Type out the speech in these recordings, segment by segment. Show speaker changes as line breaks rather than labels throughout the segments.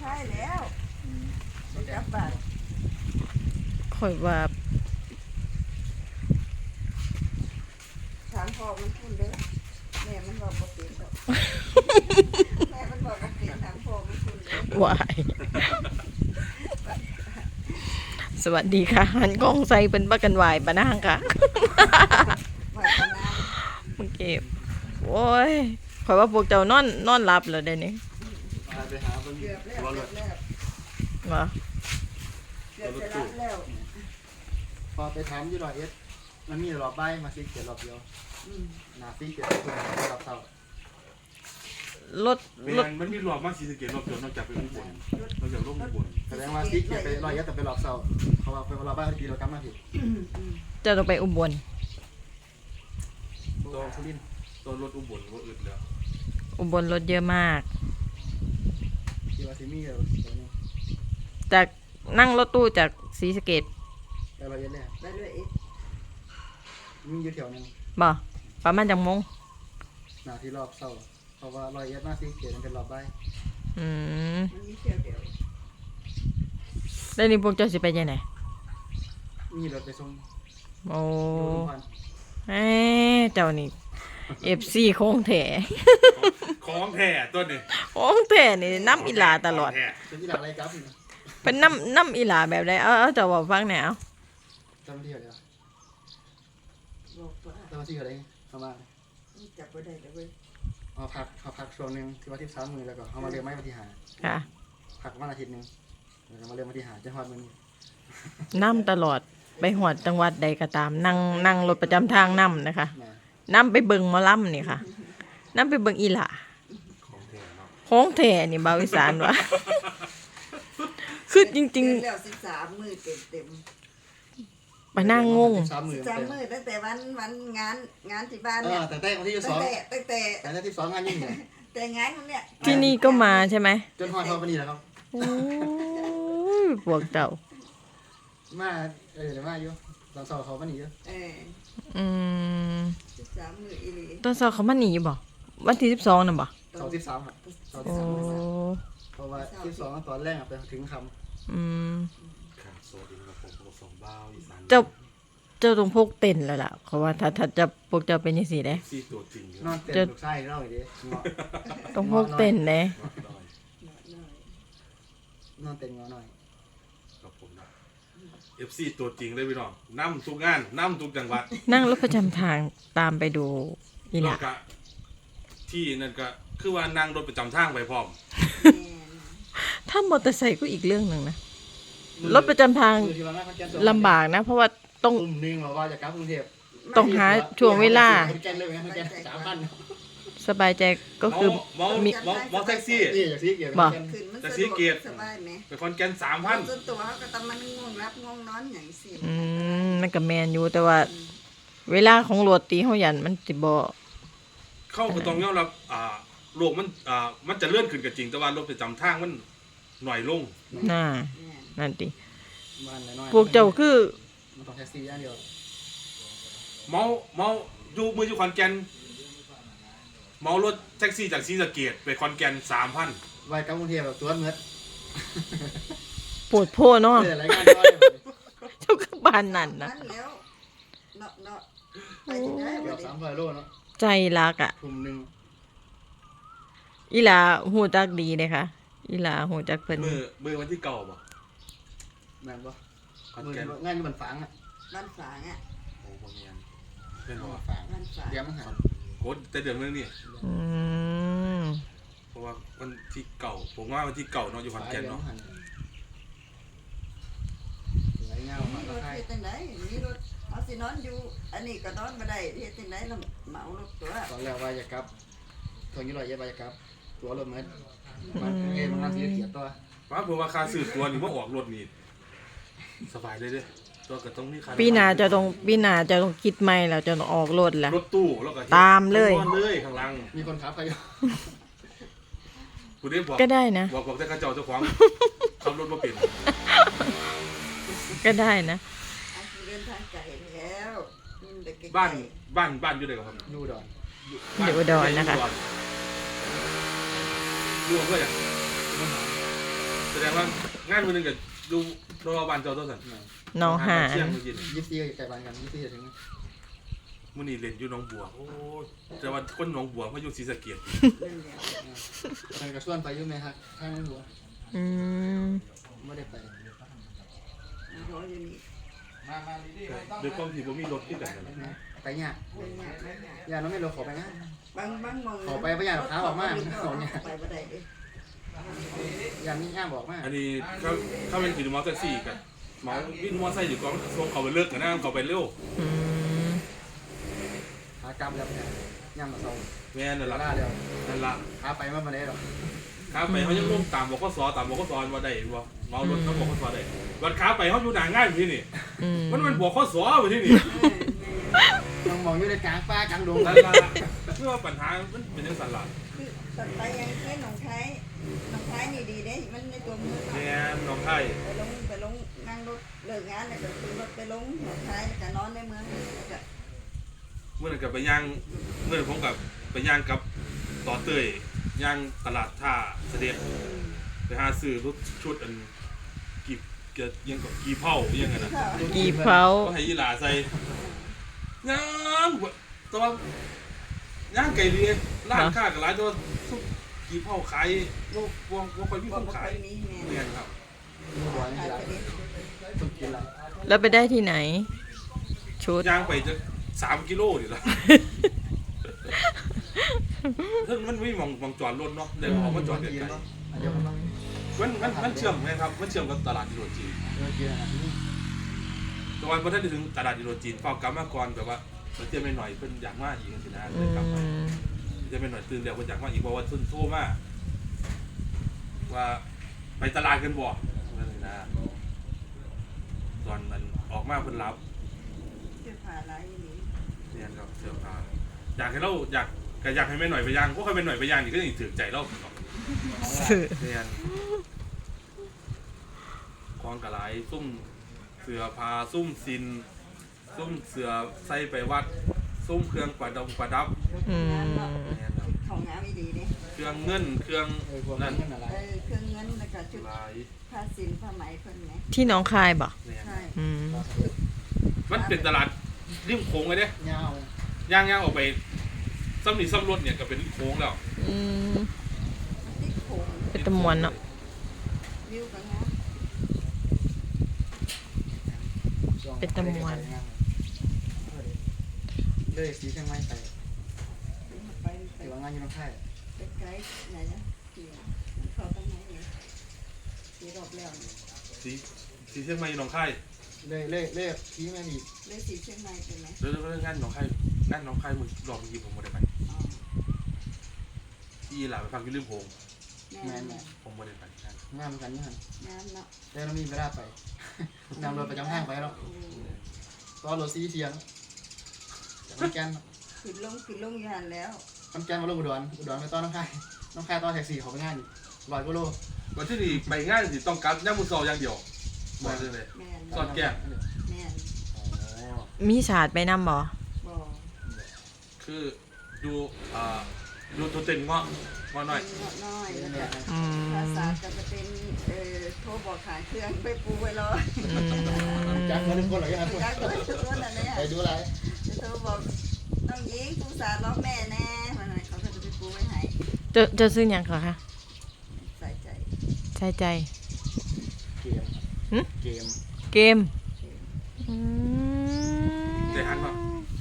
ท้ายแล้วกลับบ้าน
ข่อยว่า
ถามพ่อมันพูดเด้อแม่มันบอกบ่เป็นดอกแม่มันบอกบ่เป็นถามพ่อมันพูดเด้อ
วายสวัสดีค่ะหันกล้องใส่เป็นบักกันวายปะนางค่ะเมื่อกี้โอ้ยข่อยว่าพวกเจ้านอนหลับแล้วเดี๋ยวนี้
ไปหาเพิ่น
เกือบแล้ว
ตัวร
เกือ
ถ
บแล้ว
มา
เกือบจะรับแล้ว
พอไปถามอยู่ร้อยเอ็ดมันมีรอบใบมาซีเกียรอบเดียวหน้าซีเกียรรอบเท่าร
ถ
มันมีรอบมาสีสะเกตรอบจนนอกจากไปอุบลนอกจากลงอุบล
แสดงว่าซีเกียรไปร้อยเอ็ดแต่ไปรอบเท่าเขาว่าไปรอบใบทีเรากลับมาผิด
จะต้องไปอุบล
ตัวสุรินทร์ตัวรถอุบลว่าอึดแล้ว
อุบลรถเยอะมาก
ที่ว่าซีมีตัวนี้
จากนั่งรถตู้จากศรีสะเกษ
ไปร้อยเอ็ดเนี่ย
ไปด้วยอีก
มีอยู่แถวนึง
บ่ประมาณจังมง
หน้าที่รอบเท่าเพราะว่าร้อยเอ็ดมาซีเกียรมันเป็นรอบใบ
อืม
มันมีเที่ยวเดียว
แล้วนี่พวกเจ้าสิไปยังไง
มีรถไปส่ง
โอ้
ดูทุกวัน
เจ้านี่เอฟซีคงแถ
ของแท้ตัวนี้
คงแถนี่น้ำอีหลาตลอด
เป็นที่หลักอะไรครับ
เป็นน้ำอีหลาแบบใดเอาเจ้าบอกฟังแหน่เอา
จำที่เท่าไหร่
บอกว่า
จำที่เท่าไหร่ประมาณ
จับบ่ได้เลยเว้ย
เอาพักช่วงนึงที่ว่า13 มื้อแล้วก็เอามาเรียนไม้มาที่หา
ค่ะ
พักวันอาทิตย์นึงแล้วก็มาเรียนมาที่หาจังหวัดมื้อนี้
น้ำตลอดไปหอดจังหวัดใดก็ตามนั่งรถประจำทางน้ำนะคะ
นะ
น้ำไปเบิงหมอลำนี่ค่ะน้ำไปเบิงอีหลา
ของแท้เนาะ
คงแถนี่บาวิสานวะ คือจริง
เดือนแล้ว13มื้อเต็ม
ๆมานั่งงง
13 มื้อ
13มื้อตั้งแต่วันงานที่บ้าน
เอ
เนี่ย
อตั้งแต่วันที่
ตั้งแต่
2ตั้งแต่ที่2งานยิ่งใหญ่
แต่งานมันเนี่ย
ที่นี่ก็มาใช่ไหม
จนฮอดวันนี้แหละครับ
โอ้ยพวกเจ้า
มาเดี๋ยวมาอยู่ตอนสอบเขาวันนี้อยู่
อืม
13มื้ออีหลี
ตอนสอบเขามาหนีบ่วันที่12น่ะบ่
สอบ13ครับสอบ
โอ้
13เพราะว่า12ตอนแรกไปถึงคำ
อืม
ข้างโซดินกับผมกับสองบ้าวอีสาน
เจ้าต้องพกเต็นท์แล้วล่ะเพราะว่าถ้าจะพวกเจ้าเป็นจังซี่เด้
ซีตัวจริง
นอนเต็มลูกไส้เล่าอีกดิ
ต้องพกเต็นท์เด้
นอนเต็มงอหน่อย
กับผมนะ FC ตัวจริงเลยพี่น้องนั่ทุกงานนั่ทุกจังหวัด
นั่งรถประจำทางตามไปดูอีห
แล้
ลาว
ก็ที่นั่นก็คือว่านั่งรถประจำทางไปพร้อม
ถ้ามอเตอร์ไซค์ก็อีกเรื่องหนึงนะรถประจำทางลำบากนะ เพราะว่าต้อง
กลุ่มนึงบอกว่าจะกลับกรุงเทพ
ต้องหาช่วงเวลา
แกนเลยไหมแกน3,000
สบายใจก็คือ
เมาแท็กซี่
นี่อย่างที่เกี่ยวกับ
ขึ้นมัน
แต่
สะ
สี
ดวก
เกียรติ
สบายไหม
ไปคอนแกน
ส่
3,000
วนตัวเขาก็ต้องมันง่วงรับง่วงนอนอย่างสิ
มันก็แมนอยู่แต่ว่า เวลาของรถตีเฮายันมันสิบ่
เข้าก็ต้องยอมรับโลกมันจะเลื่อนขึ้นก็จริงแต่ว่ารถประจำทางมันหน่อยลง
น่านั่นติ
บ้านน้อย
พวกเจ้าคือ
มันต้องแท็กซี่อย่างเดียว
เมาอยู่มืออยู่ขอนแก่นเมารถแท็กซี่จากศรีสะเกษไปขอนแก่น 3,000
ไว้กลับกรุงเทพแบบตัวเมืด
ปวดโพเนาะ
เจออะไรงานน้อย
เจ้าคือบ้านนั่นนะ
นั่นแล้วเนาะไปที่ไหน
เกื
บ่
อบ
ได้
300 โลเนาะ
ใจรักอ่ะ
กลุ่มนึง
อีหลาฮู้จักดีเด้ค่ะอีหลาฮู้จักเพิ่น
มือวันที่เก่าบ่
แม่นบ่
ขอน
มือ
แก่น
งานอยู่บนฝังอ่ะ
บ้านฝางอ่ะ
โอ้บ่แม่นเป็นบ่
ฝัง
บ้านฝาง
เดี๋ยวมันหา
โคตรแต่เดือนนึงนี่
อืม
เพราะว่าวันที่เก่าผมว่าวันที่เก่าเนาะอยู่ขอนแก่นเนาะ
ไหลเงามา
มีร
แล้ว
ถ
ใคร
เฮ็ดจังไดมีรถเอาสินอนอยู่อันนี้ก็นอนบ่ได้เฮ็ดจังไดแล้วเหมารถตัว
ตอนแรกว่าจะกลับทางนี้100ว่าจะกลับตัวรถมืดมันเองมันงานที่เกียรตัว
ว่าผมว่าค่าซื้อตัวนี่มาออกรถนี่สบายเลยเด้อตัวก็ต้องมีค่า
ปีหน้าจะต้องคิดใหม่แล้วจะต้องออกรถแล้ว
รถตู้แล้วก็
ตามเลย
นอนเลยข้างหลัง
มีคนขับใครอยู่
ผู้ใดบอก
ก็ได้นะ
บอกแต่ข้าเจ้าเจ้าของขับรถบ่เป็น
ก็ได้นะ
เอาสิเดินทางไกลแล้วมันเด็กๆ
บ้านอยู่ไหนครับ
อยู่ดอน
อยู่อุดรนะคะ
อยู่อำเภอหยังแสดงว่างานมื้อนึงก็อยู่โรงพยาบาลเจ้าตัวสั่น
น้องหาน
เที่ยงมื้อกิน
24ไก่บ้านกัน24ถึง
มื้อนี้เล่นอยู่หนองบัวโอ้ยแต่ว่าคนหนองบัวมาอยู่ศรีสะเกษ
นั่นแหละ
เพิ่นก็ชวนไปอยู่แม่ฮักทางนั้นหัว
อืม
บ่ได้ไป
รออยู่นี่
ด้วยความที่บ่มีรถคือกันนั่นแหละ
ไปยาก
เป็นยากนะ
ย่าน้องไม่รู้ขอไปงาน
บางมอง
ขอไปบ่อยากขาออกมาสองเนี่ย
ไปบ่ได้เด้
ย่ามีย่าบอกมา
อันนี้เขาเป็นขี่มอเตอร์ไซค์กันเมาวินมอเตอร์ไซค์อยู่กองส่งเขาไปเลิกกันนะเขาไปเร็ว
อืม
หากรรมแล้วเนี่ยย่ามาส่ง
แม่นั่น
ลา
ล่ะ
เดียว
นั่นล่ะ
ขาไปมาบ่ได้หรอก
ขาไปเขายังลงตามบกสว่าได้บ่เมารถเขาบกสได้วันขาไปเขาอยู่หน้างานอยู่ที่นี่
อืม
มันบกสอยู่ที่นี่
ต้องมองอยู่ในกลางป่ากลางดง
นั่นล่ะคือว่าปัญหามันเป็นจังซั่นล่ะ
คือตัดไปยังแค่หนองคายนี่ดีเด้มันในตัวเมือง
แม่น้องไทย
ไปลงนั่งรถเลิกงานแล้วก็ขึ้นรถไปลงหนองคายแล้วก็นอนในเมืองแล้วก็
เมื่อนั้นก็ไปย่างเมื่อนั้นผมกับไปย่างกับต่อเตยย่างตลาดท่าเสด็จไปหาซื้อรถชุดอันกีบยังกับกีเผายังไงนะ
กี่เผา
ก็ให้ยีหลาใส่ย่างตัวย่างไก่เรียร้านค้ากับร้านตัวซุปกีเผาขายว่าค่อยมีคนขาย
มีแม่
เนี่ยครับ
มีหัวนี่
ขาย
ละ
ไปเด้
สุดกินละ
แล้วไปได้ที่ไหน ชุด
ย่างไปจะ3 กิโลนี่ละมันไม่มองจอดรถเนาะเดี๋ยวออกมาจอดไกล
เนาะเดี๋ยวมัน
มันเชื่อมไหมครับมันเชื่อมกับตลาดดิโรจีน
เดี๋ยวกินนะนี่
แตอนพอท่านถึงตลาดดิโรจีนเฝ้ากลับมาก่อนแบบว่าเตรียมไปหน่อยเพิ่นอยากมาอีกสินะ
อื
เลยกลับมา
ม
เตรียมไปหน่อยตื่นแล้วเพิ่นอยากมาอีกเพราะว่าโทรมาว่าไปตลาดกันบ่นั่นเลยนะตอนมันออกมาเพิ่นรับ
เสื้อผ้าลายอย่างนี้
เรียนครับเสื้อผ้าอยากให้เราอยากให้แม่หน่อยไปย่างพวกใครเป็นหน่อยไปย่างนี่ก็ยังถือใจเราเรียนคลองกระไรซุ่มเสือพาซุ่มซินซุ่มเสือใส่ไปวัดซุ่มเครื่องประดับ
อืม
เรียนครับ
ของงามไม่ดีเด้
เครื่องเงินเครื่อง
พวก
นั่
นั้น นอะไร
เครื่องเงินแล้วก็ชุด
ลาย
ผ้าสินผ้าไหมเพิ่นไหม
ที่หน้องคายบ่
เรียน
ใช่
อืม
มันเป็นตลาดริมโค้งเลยเด้
ยาว
ย่างออกไปซ้ำนี่ซ้ำรถเนี่ยก็เป็นริมโค้งแล้ว
อืม
ติ๊กโขง
เป็นตะมวนเนาะ
วิวก็งาม
เลยสีเชียงใหม่ไป
ไป
แต่ว่างานอยู่น้องไข่
ไปไกลไหนนะที่มันเข้าตรงไหนเนี่ยที่รอบแล้วเนี่ย
สีเชียงใหม่หนองคาย
เลยที่แม่ดี
เลยสีเชียงใหม่เป็นไหม
เรื่องงานหนองคายมึงรอบเมื่อกี้ผมไม่ได้ไป
อ๋อ
ที่หลานไปฟังที่ริมโค้ง
แม่
แม่
ผมไม่ได้ไปงาน
งานกันนี่ฮะ
งามเนาะ
แต่เรามีเวลาไปนำรถประจำห้างไปแล้วตอนรถซีเทียงมันแกน
ขึ้นลงอยู่หันแล้ว
มันแกนมาลงอุดรไปต้อนน้องไข่ต้อนแท็กซี่เขาไปงาน100กิโล
วันที่นี่ไปงานสิต้องการย่างมือซออย่างเดียวมาเลย
แม่น
สอดแก้ม
แม่น
มีศาสตร์ไปนำบ่
บ่
คือดูดูตัวเต็นเงาะหน่อย
เป็นเงาะน้อยแล้วก็
อืม
ภาษาก็จะเป็นโทรบอกขายเครื่องไปปูไว้รอ
อืม
จักมา1คนหรอยังไง
จักเลยทุกคนนั่นแหละ
ไปดูอะไร
จะโทรบอกน้องหญิงปูสาล้อแม่แน่มันอะไรเขาก็จะไปปูไว้ให้
จะซื้อหยังก่อนคะ
ใส่ใจ
ใช่ใจ
เกม
เกมอืม
ๆใจหันป่ะ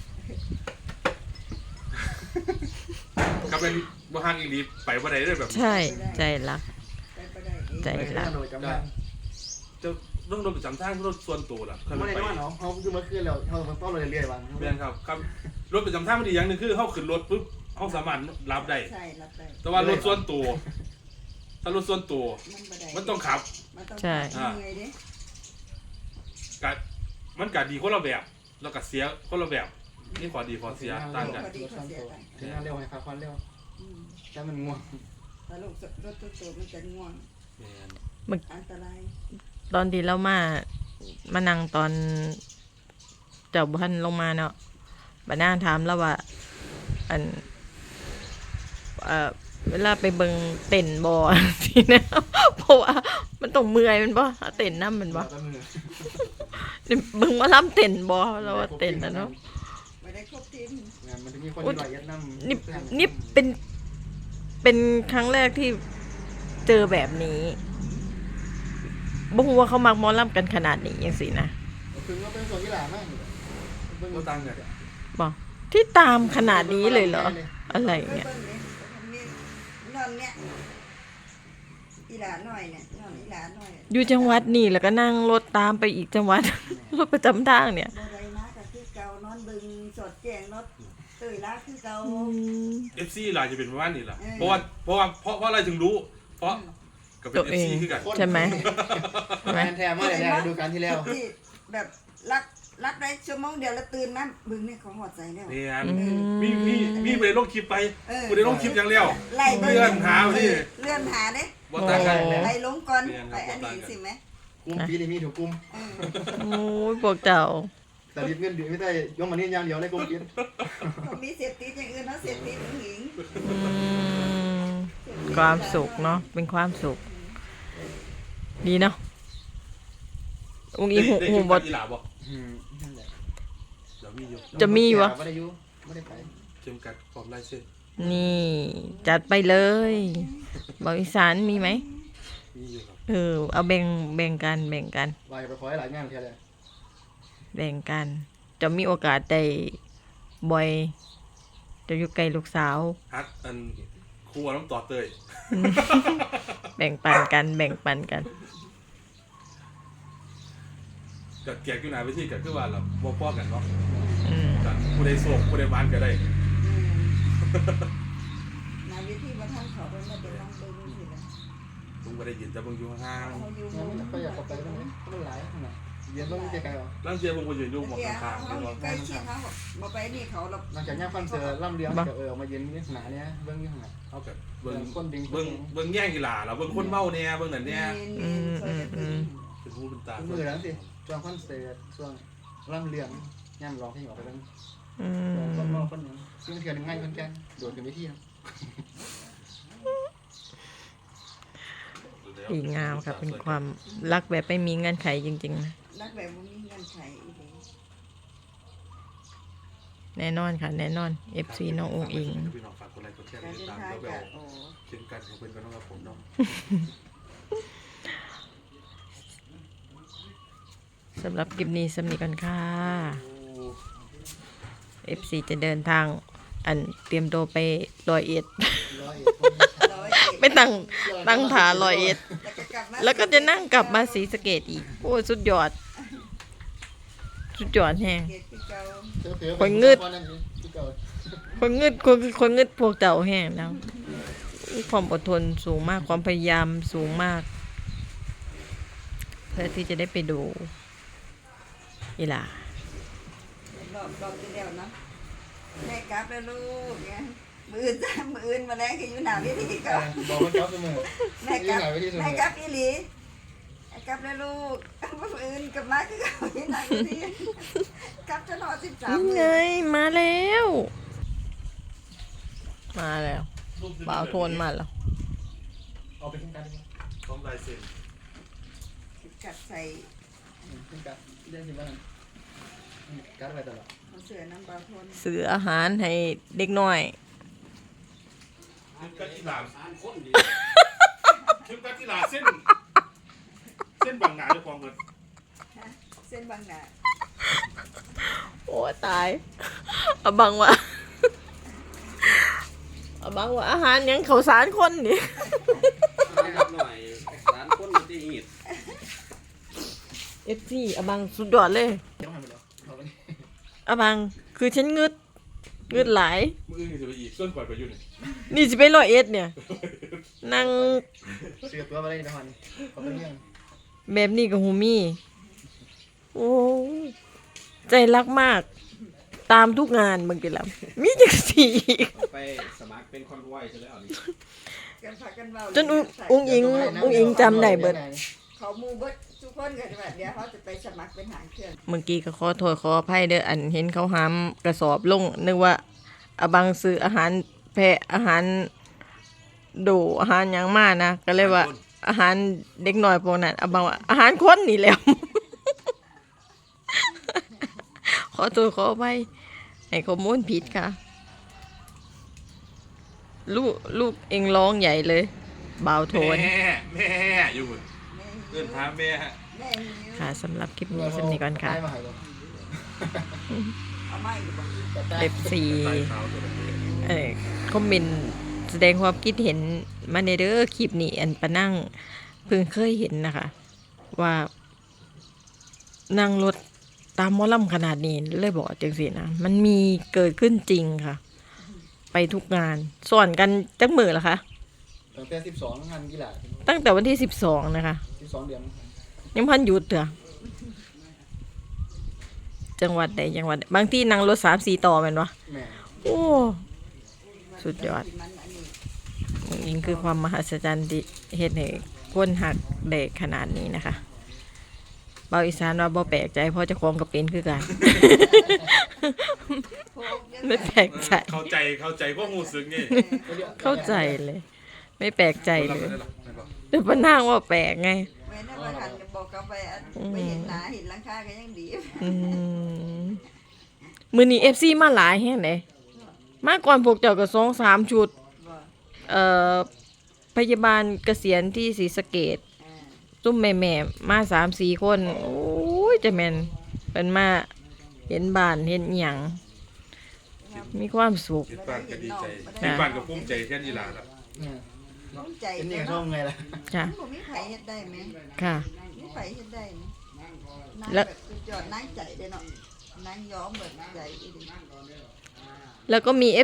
ก็เป็นบ้านอีกดีไปว่าใดได้แบบ
ใช่ใจรัก
ไปบ่ได้เอง
ใจ
ไป
รัก
โดยจำได้
จะต้องรถประจำทางรถส่วนตัวล่ะเคย
ไม่ได้
ไป
ว่าเนาะเขาคือเมื่อคืนเราต้องเลยเรื่อยๆวัน
เรียนครับรถประจำทางมันดีอย่างหนึ่งคือเขาขึ้นรถปุ๊บเขาสามารถรับได้
ใช่รับได้
แต่ว่ารถส่วนตัวถ้ารถส่วนตัว
มันบ่ได้
มันต้องขับ
มันต้อง
ใช่
เหนื่อยเด้
กะมันกะดีคนละแบบแล้วก็เสียคนละแบบนี่ขอดีขอเสียต่างกัน
พอดีเขาเสียตังค์
ถึงเร็วให้พักผ่อนเร็ว
อืม
แต่มันง่วง
ถ้าลูกรถตัวมันจะง่วง
แม่น
อันตราย
ตอนที่เรามานั่งตอนเจ้าบ้านลงมาเนาะบัดนางถามแล้วว่า อันเวลาไปเบิ่งเต้นบ่ สินะเพราะว่ามันต้องเมื่อยแมันบ่เต้นนำมันบ่
เราก็มือ
นี่เบิ่งหมาลำเต้นบ่เราว่าเต้นนะเนาะ
ไม่ได้ครบทีม
งานมันจะมีคนที่ร้อยเอ็ดนำ
นี่เป็นครั้งแรกที่เจอแบบนี้บ่ฮู้ว่าเขามักหมอลำกันขนาดนี้จังซี่นะ
คือว่าเป็นส่วนที่หลามาก
ก็ตังค์เนี่ย
บ่ที่ตามขนาดนี้เลยเหรอ อะไรเงี้ย
เบิ่งนี่มีนอนเนี่ยอีหลาหน่อยเนี่ยนอนอีหลาหน่อย
อยู่จังหวัดนี่แล้วก็นั่งรถตามไปอีกจังหวัด รถประจำทางเนี่ย
บ่ได้นะก็คือเก่านอนบึงสดแจ้งรถเตยลาคือเก่า
FC หลายจะเป็นประมาณนี้ล่ะ
เออ
เพราะอะไรถึงรู้ เพราะก็เป็น FC คือกัน
ใช่ไหม ใช่ไหม
แทนมาเลยนะดูการที่แล้ว
ที่แบบรักได้ชั่วโมงเดียวแล้วตื่นมาบึงนี่เขาหอดใจแล้ว
นี่ฮะ
อืม
มีไปลงคลิปไป
เออ
กูได้ลงคลิปอย่างเดียว
ไล่บิ่ง
เลื่อนหาไปนี่
เลื่อนหาเด้
บ่ต่างกัน
ไปลงก่อน
เรียนครับ
ไปอันนี้สิไหม
กลุ่มปีนี้มีถูกกลุ่ม
เออ
โอ้ยพวกเจ้า
แต่รีบเงินดีไม่ได้ยกมานี่อย่างเดียวในกลุ่มปี
เขามีเสพติดอย่างอื่นเขาเสพติดหญิง
อืมความสุขเนาะเป็นความสุข ดีเนาะอุ้งอีหู
ได้
หู
คลิป
บ
กั
ด
บอีหลาบ่
นั่นแหละ
เดี๋ยวมีอยู่
จะมีวะ
ไม่ได้อยู่ไม่ได้ไป
เข็มกัดพร้อมลายเส้น
นี่ จัดไปเลยบอกอีสานมีไหม
มีอยู่ครับ
เอาแบ่งกันแบ่งกัน
วายไปขอให้หลายงานแค่เลย
แบ่งกัน จะมีโอกาสได้บ่อยจะอยู่ใกล้ลูกสาว
ฮักอันครูเอาน้ำต่อเตย
แบ่งปันกันแบ่งปันกัน
กับแกอยู่ไหนไปที่กับคือว่าเราบ่พอกันเนาะ
อืม
กันผู้ใดโศกผู้ใดหวานก็ได้
นาวิธีมาทำเขาเป็นมาเดี๋ยวลองดูสิละ
ผมก็ได้ยินแต่เบิ่งอยู่ห่าง
เขาอยู่
งั้นไม่ค่อยอยากเข้าไปตรงนี้มันหลายขนาดเย็นต้องไกลๆหรอ
ๆลางเทียผมก็ยืนอยู่หมอง
เดี๋ยว
ข้างๆ
เขา
นี่
อ
เนาะ
ยู่ใกล้ชิดเขาบอกไปนี่เขาเรา
หลังจากย่างฟันเสือล่ำเลี้ยงเดี๋ยวออกมายืนนี่หนาเนี้ยเบื้องนี่หนา
เฮากับเบิ่ง
คนดิง
เบิ่งแย่งอีหลาแล้วเบิ่งคนเมาแน่เบิ่งนั่นแน่
อืม
เป็นหูเป็นตา
มือแล้วสิช่วงฟันเสือช่วงล่ำเลี้ยงย่ำร้องเพลงออกไปแล้ว
อื
คนเม
ม
คนยังซึ่งเถื่อนง่ายคนแก่โดดกันไปที่
ดีงามค่ะเป็นความรักแบบไม่มีเงื่อนไขจริงๆนะ
รักแบบบ่มีเงินใช้อีกเลย
แน่นอนค่ะ แน่นอน FC น้ององอิง
พี่น้องฝากกดไลค์กดแชร์ก
การ
ดติด
เดิน
ตาม
ทาง
แล้วก็
จากโอ้
เช่นกันของเพิ่นก็ต้องกับผมเนาะ
สำหรับคลิปนี้สำนีกันค่ะ FC จะเดินทางอันเตรียมตัวไป101
ร้อย
ไม่ตั้งผา101 แล้วก็จะนั่งกลับมาศรีสะเกษอีก โอ้ยสุดยอด สุดยอดแฮง
เกตที่เก่า
คนงึดพวกเจ้าแห้งแล้วความอดทนสูงมากความพยายามสูงมาก เพื่อที่จะได้ไปดูอีหล่าร
อบที่แล้วเนาะแม่กลับแล้วลูกไงมืออื่นจ้ามืออื่นมาแล้วคืออยู่หนาววิธีก็
บอกคนจับเสมอ
แม่กลับอีหลีแม่กลับแล้วลูกมืออื่นกลับมาคือเขาที่หนาววิธีกลับจะนอน13
นี่
มื้
ไง
อ
มาแล้ว มาแล้วบ่าวโทนมาแล้ว
เอาไปขึ้นกัน
พร้อมลายเซ็น
กัดใส่
ขึ้นกันเรื่องที่บ้านกัดไปตลอด
เขาเสือน้ำปลาทน
ซื้ออาหารให้เด็กน้อย
เข้มกัดอีหลาเข้มกัดอีหลาเส้นบางหนาเจ้าของเพิ่น
เส้นบางหนา
โอ้ตายเอาบังวะเอาบังวะอาหารยังเขาวสารคนนี่
นะครับหน่อยสารคนมันจะหีด
FC เอาบังสุดยอดเลย
เดี๋ยวหันไปแล้วเอาไป
เอาบังคือฉันงึดหลาย
มื้ออื่นจะไปอีกส่วนก่อนไปอยู่นี่
นี่สิไป101เนี่ย นั่ง
เสือตัวไปเลยนะฮันเขาเป็นยัง
แบบนี้กับฮูมี่ โอ้ยใจรักมาก ตามทุกงานบางทีแล้วมีจังสีอีก
ไปสมัครเป็นคอนวอยใช่แล้วนี่
กันพากันเบา
จนอุ้งอิงจำได้เบิด
เขามูเบิดทุกคนก็จะแบบเดี๋ยวเขาจะไปสมัครเป็นหางเครื่อง
เมื่อกี้ก็ขอโทษขออภัยเด้ออันเห็นเขาหามกระสอบลงนึกว่าอาบังซื้ออาหารแพะอาหารดูอาหารหยังมานะก็เลยว่า อาหารเด็กน้อยพวกนั้นเอามาว่าอาหารคนนี่แหล้ว ขอตัวขอไปให้ข้อมูลผิดค่ะ ลูกเองร้องใหญ่เลยบ่าวโทน
แม่อยู่พุ่นเอิ้นหาแม่ฮะ
แม่หิว
ค่ะสำหรับคลิปนี้สำนี้ก่อนค่ะ
ได้มาให้บ่
เอาไม้อยู่บ่
FC
ใส่ขาวตัวนั้น
คอมเมนต์แสดงความคิดเห็นมาในเด้อคลิปนี้อันปะนั่งเพิ่งเคยเห็นนะคะ ว่านั่งรถตามหมอลำขนาดนี้เลยบอกจังสินะมันมีเกิดขึ้นจริงค่ะ ไปทุกงานส่วนกันจักมือละคะ
ตั้งแต่12งานกีฬา
ตั้งแต่วันที่12นะคะ
12เดือน
ยังพันหยุดเถอะจังหวัดใดจังหวัดใดบางที่นั่งรถ3-4 ต่อแม่นวะ
แม่
โอ้สุดยอด
มันอันนี้
นี่คือความมหัศจรรย์ที่เฮ็ดให้คนหักได้ขนาดนี้นะคะเบาอีสานว่าบ่แปลกใจเพราะเจ้าของก็เป็นคือกัน
โพกเยอะ
ไม่แปลกใจ
เข้าใจความรู้สึกไง
เข้าใจเลย ไม่แปลกใจ
รับ
เลย
ได้หรอไม่บอก
แต่ป้านางว่าแปลกไง
แม่น่ะว่าหันจะบอกกับไปอันไปเห็นหน้าเห็นหลังคาก็ยังดี
อืมมื้อนี้ FC มาหลายแฮงเลยมาก่อนพวกเจ้าก็2-3 ชุด
บ่
พยาบาลเกษียณที่ศรีสะเกษ
อ่า
ซุ่มแม่ๆมา3-4 คน โอ้ยจะแม่นเป็นมาเห็นบ้านเห็นอิหยังมีความสุข
เฮ็ดบ้านก็ดีใจเฮ็ดบ้านก็ภูมิใจแค่นี้ล่ะครับ
เนี่ย
ภูมิใจ
เป็นนี่
เนาะ
ก็ชอบไงล่ะ
จ้ะ
มันบ่มีไผเฮ็ดได้แม่
ค่ะ
มีไผเฮ็ดได้แม่นาง
แล้ว
แบบสุดยอดนางใจเด้เนาะนางยอมเบิดใจอีหลี
แล้วก็มี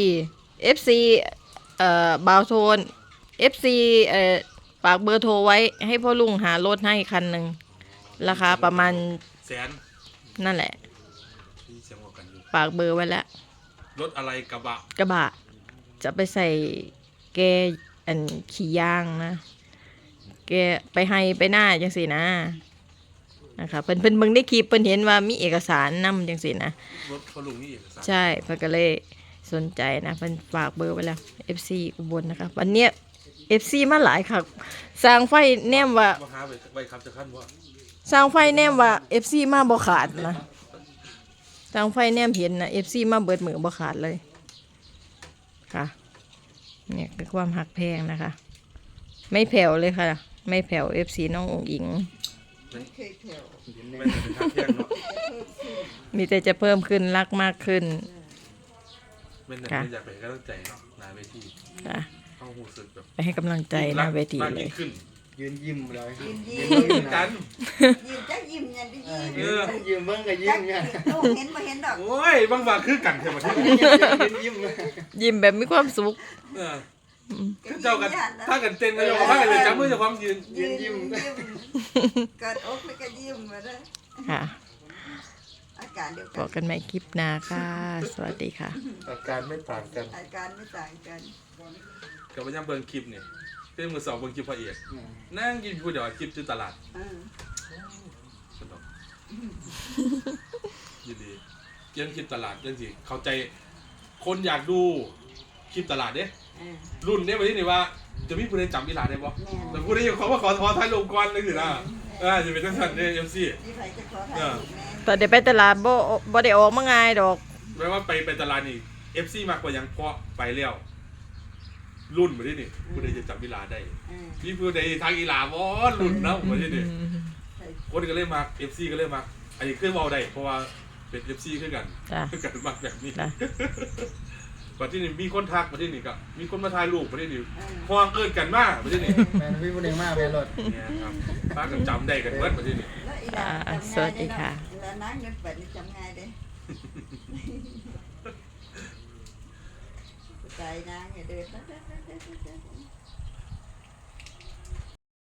FC บาวโทน FC ฝากเบอร์โทรไว้ให้พ่อลุงหารถให้คันหนึ่งราคาประมาณ
แสน
นั่นแหละ
ที่เสียงว่ากันอยู่
ฝากเบอร์ไว้แล้ว
รถอะไรกระบะ
กระบะจะไปใส่แกอันขี่ย่างนะแกไปให้ไปหน้าจังสินะนะคะเพิ่นเบิ่งได้คลิปเพิ่นเห็นว่ามีเอกสารนำจังสินะ
รถพ่อลุงนี่เอกสาร
ใช่เพิ่นก็เลยสนใจนะเพิ่นฝากเบอร์ไว้แล้ว FC อุบลนะคะวันเนี้ย FC มาหลายค่ะสร้างไฟแนมว่า
มาหาไปครับจะขั้นว่า
สร้างไฟแนมว่า FC มาบ่ขาดนะสร้างไฟแนมเห็นนะ FC มาเบิดมือบ่ขาดเลยค่ะเนี่ยคือความหักแพงนะคะ ไม่แผ่วเลยค่ะ ไม่แผ่ว FC น้ององอิง
ไม่เคยแผ่ว
ไม่ได้เป็นทางเที่ยงเนาะ
มีแต่จะเพิ่มขึ้นรักมากขึ้น
ไม่ได้
ค่ะ
อยากไปให้กำลังใจเนาะนายเวที
ค่ะ
เข้าหูสึกแบบ
ไปให้กำลังใจหน้าเวที
มาก
เล
ยิ่
ย
งขึ้น
ยืนยิ้มเลย
ยิ้ม
ยืนกัน
ยิ้มจักยิ้มยันได้ยิ้ม
ยืนเบิ่งก็ยิ้
จั
ม
ก
เนี่ย
ลูกเห็นบ่เห็นดอก
โอ้ยบางคือกันเท่าไหร่
ยิ้ม
ยิ้มแบบมีความสุข
เจ้ากันถ้ากันเต้นก็ยอมถ้ากันเลยจับมือจะความยืน
ยิ้มเกิดอกแล้วก็ยิ้มมาเด้อ
ค่ะ
อาการเดียว
บ
กั
อน กกันใหม่คลิปหน้าค่ะ สวัสดีค่ะ
อาการไม่ต่างกัน
อาการไม่ต่างกัน
กับว่ายังเบิ่งคลิปเนี่ยเป็นมือสองเบิ่งคลิปพระเอกนั่งกินผู้เดียวคลิปจุดตลาด สนุกยินดีเกี่ยงคลิปตลาดยังสิเข้าใจคนอยากดูคลิปตลาดเด้รุ่นเนี้ยวันนี้นี่ว่าจะมีผู้ใดจำอีหลาได้บ่แต่ผู้ใดยังเขาว่าขอถ่ายลงก่อนเลยสินะจะเป็นจังซั่นเด้เอ็มซี
นี่ไผจะขอถ่ายรูปแม่
ตอนเดี๋ยวไปตลาดบ่ได้ออกมาง่ายดอก
แปลว่าไปตลาดนี่ FC มากกว่ายังเพราะไปแล้วรุ่นบ่ได้นี่ผู้ใดจะจำอีหลาได้มีผู้ใดทางอีหลาบ่รุ่นเนาะบ่ได้นี่คนก็เลยมา FC ก็เลยมาอันนี้เคยเว้าได้เพราะว่าเป็น FC คือกัน
จ้ะ
คือกันมากแบบนี้
จ้ะ
ประเทศนี้มีคนทักประเทศนี้ก็มีคนมาถ่ายรูปประเทศนี้ห่วงเกินกันมากประเทศนี้
แม่นพี่บ่ได้มาแม่รถ
เนี่ยครับป้ากันจำได้กันเมื่อประเทศนี้
แล้วอีหลานจำง่าย
สวัสดีค่ะ
แล้วนางเงินเปิดนี่จำง่ายเด้ใจนางอย่าเดิน